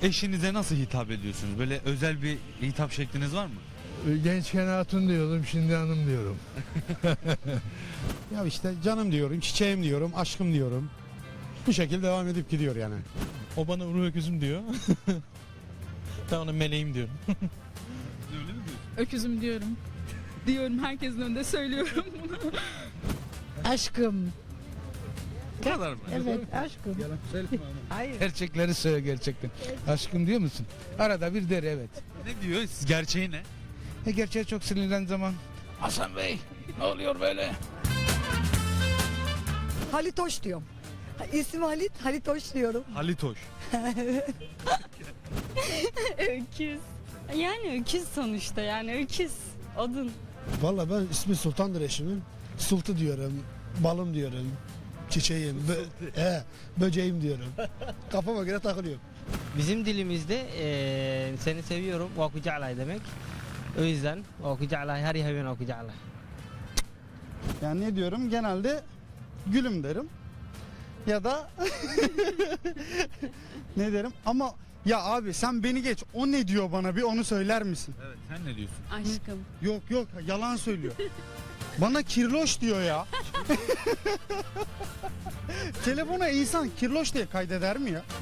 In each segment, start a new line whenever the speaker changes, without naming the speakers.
Eşinize nasıl hitap ediyorsunuz? Böyle özel bir hitap şekliniz var mı?
Gençken hatun diyordum, şimdi hanım diyorum.
Ya işte canım diyorum, çiçeğim diyorum, aşkım diyorum. Bu şekilde devam edip gidiyor yani.
O bana ruh öküzüm diyor. Ben ona meleğim diyorum.
Öküzüm diyorum. Diyorum, herkesin önünde söylüyorum bunu.
Aşkım.
Bu kadar mı?
Evet aşkım. Hayır.
Gerçekleri söyle gerçekten. Aşkım diyor musun? Arada bir der evet.
Ne diyor? Gerçeği ne?
Gerçeğe çok sinirlen zaman. Hasan Bey ne oluyor böyle?
Halitoş diyorum. İsmi Halitoş diyorum.
Halitoş.
Öküz. Yani öküz sonuçta, yani öküz. Odun.
Valla ben ismi Sultan'dır eşimin. Sultu diyorum, balım diyorum, çiçeğim, böceğim diyorum. Kafama göre takılıyorum.
Bizim dilimizde seni seviyorum vakıca'lay demek. O yüzden vakıca'lay her yavyen vakıca'lay.
Yani ne diyorum? Genelde gülüm derim. Ya da ne derim? Ama ya abi sen beni geç. O ne diyor bana, bir onu söyler misin?
Evet, sen ne diyorsun?
Aşkım.
Yok yalan söylüyor. Bana kirloş diyor ya. Telefona insan kirloş diye kaydeder mi ya?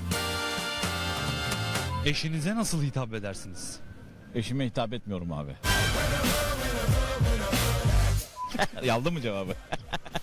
Eşinize nasıl hitap edersiniz?
Eşime hitap etmiyorum abi. Yaldı mı cevabı?